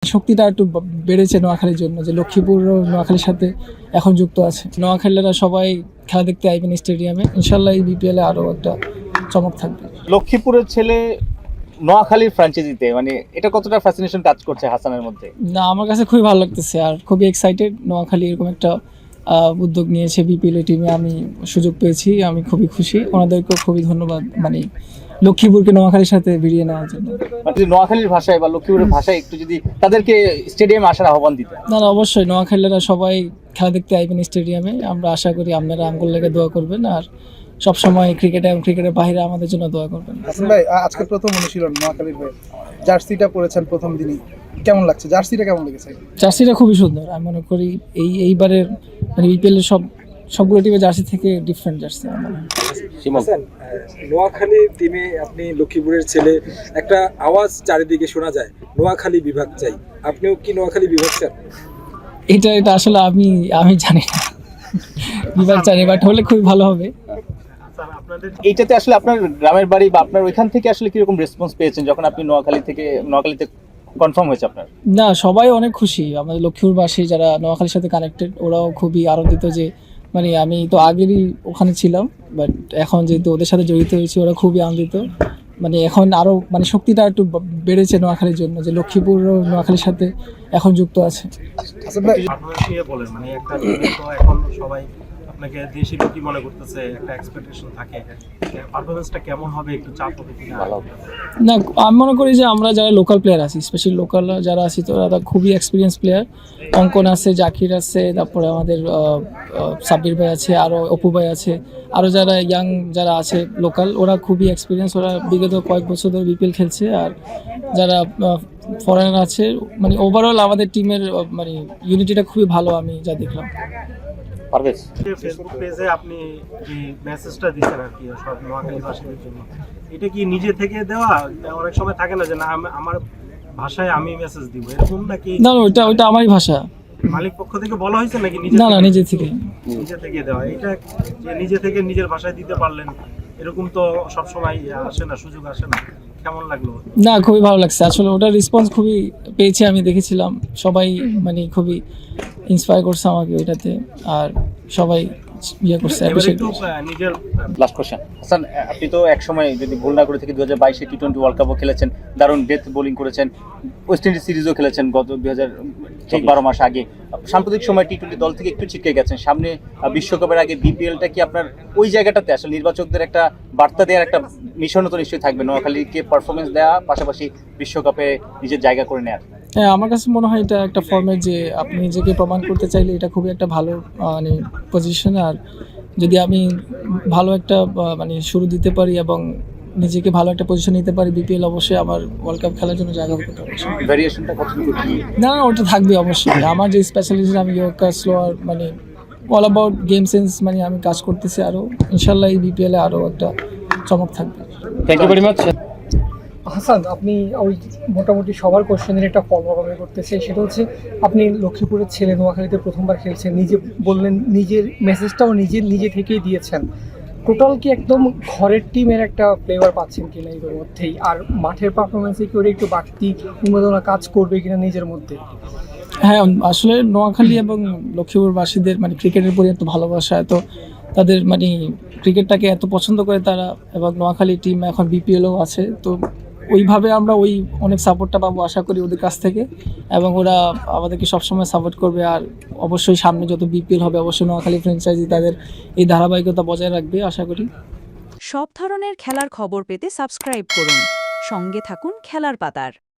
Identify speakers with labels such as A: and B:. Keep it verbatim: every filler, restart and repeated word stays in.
A: শক্তিটা একটু ব- বেড়েছে নোয়াখালীর জন্য, যে লক্ষ্মীপুর নোয়াখালীর সাথে এখন যুক্ত আছে। নোয়াখালীরা সবাই খেলা দেখতে আইবেন স্টেডিয়ামে, ইনশাল্লাহ এই বিপিএলে আরও একটা চমক থাকবে।
B: লক্ষ্মীপুরের ছেলে নোয়াখালীর ফ্র্যাঞ্চাইজিতে মানে এটা কতটা ফ্যাসিনেশন কাজ করছে হাসানের মধ্যে?
A: না, আমার কাছে খুবই ভালো লাগতেছে আর খুবই এক্সাইটেড। নোয়াখালী এরকম একটা আহ, উদ্যোগ নিয়েছে, বিপিএল টিমে আমি সুযোগ পেয়েছি, আমি খুবই খুশি। ওনাদেরকেও খুবই ধন্যবাদ, মানে লক্ষ্মীপুরকে নোয়াখালীর সাথে ভিড়িয়ে নেওয়ার জন্য।
B: মানে যদি নোয়াখালীর ভাষায় বা লক্ষ্মীপুরের ভাষায় একটু যদি তাদেরকে স্টেডিয়ামে আসার আহ্বান দিতে।
A: না না, অবশ্যই নোয়াখালীরা সবাই খেলা দেখতে আইবেন স্টেডিয়ামে। আমরা আশা করি আপনারা আমগুল লেগে দোয়া করবেন আর সবসময় ক্রিকেটে এবং ক্রিকেটের বাইরে আমাদের জন্য দোয়া করবেন।
C: হাসান ভাই, আ- আজকে প্রথম অনুশীলন নোয়াখালীর হয়ে জার্সিটা পরেছেন প্রথম দিনই, কেমন লাগছে? জার্সিটা কেমন লেগেছে?
A: জার্সিটা খুবই সুন্দর, আমি মনে করি এই এইবারের মানে বিপিএলের সব সবগুলো টিমের জার্সি থেকে ডিফারেন্ট জার্সি আমার মনে হয়।
D: হাসান, আহ, নোয়াখালী টিমে আপনি লক্ষ্মীপুরের ছেলে, একটা আওয়াজ চারিদিকে শোনা যায় নোয়াখালী বিভাগ চাই, আপনিও কি নোয়াখালী বিভাগ চান?
A: এটা এটা আসলে আমি আমি জানি না, বিভাগ জানি, বাট হলে খুবই ভালো হবে।
B: এইটাতে আসলে আপনার গ্রামের বাড়ি বা আপনার ওইখান থেকে আসলে কিরকম রেসপন্স পেয়েছেন যখন আপনি নোয়াখালী থেকে নোয়াখালীতে কনফার্ম হয়েছে আপনার?
A: না, সবাই অনেক খুশি। আমাদের লক্ষ্মীপুরবাসী যারা নোয়াখালীর সাথে কানেক্টেড, ওরাও খুবই আনন্দিত যে মানে আমি তো আগেরই ওখানে ছিলাম, বাট এখন যেহেতু ওদের সাথে জড়িত হয়েছি, ওরা খুবই আনন্দিত। মানে এখন আরও মানে শক্তিটা একটু ব- বেড়েছে নোয়াখালীর জন্য, যে লক্ষ্মীপুর নোয়াখালীর সাথে এখন যুক্ত আছে।
C: হাসান ভাই,
E: পারফরমেন্স নিয়ে বলেন, মানে একটা টিমে তো এখন সবাই আপনাকে দেশি লোকই মনে করতেছে, একটা এক্সপেকটেশন থাকে, পারফরমেন্সটা কেমন হবে, একটু চাপ হবে কিনা?
A: না, আমি মনে করি যে আমরা যারা লোকাল প্লেয়ার আছি, স্পেশালি লোকাল যারা আছি, তো ওরা খুবই এক্সপিরিয়েন্স প্লেয়ার। অঙ্কন আছে, জাকির আছে, তারপরে আমাদের আহ, আহ, সাব্বির ভাই আছে, আরও অপু ভাই আছে, আরও যারা ইয়াং যারা আছে লোকাল, ওরা খুবই এক্সপিরিয়েন্স। ওরা বিগত কয়েক বছর ধরে বিপিএল খেলছে। আর যারা ফরেনার আছে, মানে ওভারঅল আমাদের টিমের মানে ইউনিটিটা খুবই ভালো, আমি যা দেখলাম।
B: পারভেজ,
E: ফেসবুক পেজে আপনি যে মেসেজটা দিচ্ছেন আর কি সব নোয়াখালীবাসীদের জন্য, এটা কি নিজে থেকে দেওয়া? অনেক সময় থাকে না যে না আমি- আমার ভাষায় আমি মেসেজ দিব, এরকম নাকি
A: না না, ওইটা ওইটা আমারই ভাষা।
E: মালিক পক্ষ থেকে বলা হয়েছে নাকি নিজে
A: না না,
E: থেকে?
A: নিজে থেকে।
E: নিজে থেকে দেওয়া, এটা যে নিজে থেকে নিজের ভাষায় দিতে পারলেন, এরকম তো সব সময় আসে না, সুযোগ আসে না, কেমন লাগলো?
A: না, খুবই ভালো লাগছে আসলে, ওটার রেসপন্স খুবই পেয়েছি, আমি দেখেছিলাম সবাই মানে খুবই ইন্সপায়ার করছে আমাকে ওইটাতে, আর সবাই ইয়ে করছে,
E: এবার
A: অ্যাপ্রিশিয়েট
E: একটু
A: করছে।
E: আহ, নিজের
B: লাস্ট কোশ্চেন। হাসান, আপনি তো এক সময় যদি ভুল না করে থেকে দু হাজার বাইশে টি টোয়েন্টি ওয়ার্ল্ড কাপও খেলেছেন, দারুণ ডেথ বোলিং করেছেন, ওয়েস্ট ইন্ডিজ সিরিজও খেলেছেন গত দুই হাজার ঠিক বারো মাস আগে। সাম্প্রতিক সময় টি টোয়েন্টি দল থেকে একটু ছিটকে গেছেন, সামনে আহ, বিশ্বকাপের আগে বিপিএলটা কি আপনার ওই জায়গাটাতে আসলে নির্বাচকদের একটা বার্তা দেওয়ার একটা মিশনও তো নিশ্চয়ই থাকবে, নোয়াখালীকে পারফরমেন্স দেওয়া পাশাপাশি বিশ্বকাপে নিজের জায়গা করে নেওয়ার?
A: হ্যাঁ, আমার কাছে মনে হয় এটা একটা ফর্মেট, যে আপনি নিজেকে প্রমাণ করতে চাইলে এটা খুবই একটা ভালো আহ, মানে পজিশন। আর যদি আমি ভালো একটা আহ, মানে শুরু দিতে পারি এবং নিজেকে ভালো একটা পজিশন নিতে পারি, বিপিএল অবশ্যই আমার ওয়ার্ল্ড কাপ খেলার জন্য জায়গা করতে পারবে।
B: ভ্যারিয়েশনটা কতটুকু কি?
A: না না, ওটা থাকবে অবশ্যই। আমার যে স্পেশালিস্ট, আমি ইয়র্কার স্লোয়ার, মানে অল অ্যাবাউট গেম সেন্স, মানে আমি কাজ করতেছি আরও। ইনশাল্লাহ এই বিপিএলে আরও একটা চমক থাকবে।
B: Thank you very much.
F: Hasan, আপনি ওই মোটামুটি সবার কোশ্চেনের একটা ফলো আমি করতে চাই, সেটা হচ্ছে আপনি লক্ষ্মীপুরের ছেলে, নোয়াখালীতে প্রথমবার খেলছেন, নিজে বললেন নিজের মেসেজটাও নিজে নিজে থেকেই দিয়েছেন। টোটাল কি একদম ঘরের টিমের একটা ফ্লেভার পাচ্ছেন কিনা এর মধ্যেই? আর মাঠের পারফরমেন্সে কি ওরা একটু বাড়তি উন্মাদনা কাজ করবে কিনা নিজের মধ্যে?
A: হ্যাঁ, আসলে নোয়াখালী এবং লক্ষ্মীপুরবাসীদের মানে ক্রিকেটের প্রতি এত ভালোবাসা, এত তাদের মানে ক্রিকেটটাকে এত পছন্দ করে তারা, এবং নোয়াখালী টিম এখন বিপিএলও আছে, তো ওইভাবে আমরা ওই অনেক সাপোর্টটা পাবো আশা করি ওদের কাছ থেকে, এবং ওরা আমাদেরকে সবসময় সাপোর্ট করবে। আর অবশ্যই সামনে যত বিপিএল হবে, অবশ্যই নোয়াখালী ফ্র্যাঞ্চাইজি তাদের এই ধারাবাহিকতা বজায় রাখবে আশা করি।
G: সব ধরনের খেলার খবর পেতে সাবস্ক্রাইব করুন। সঙ্গে থাকুন খেলার পাতার।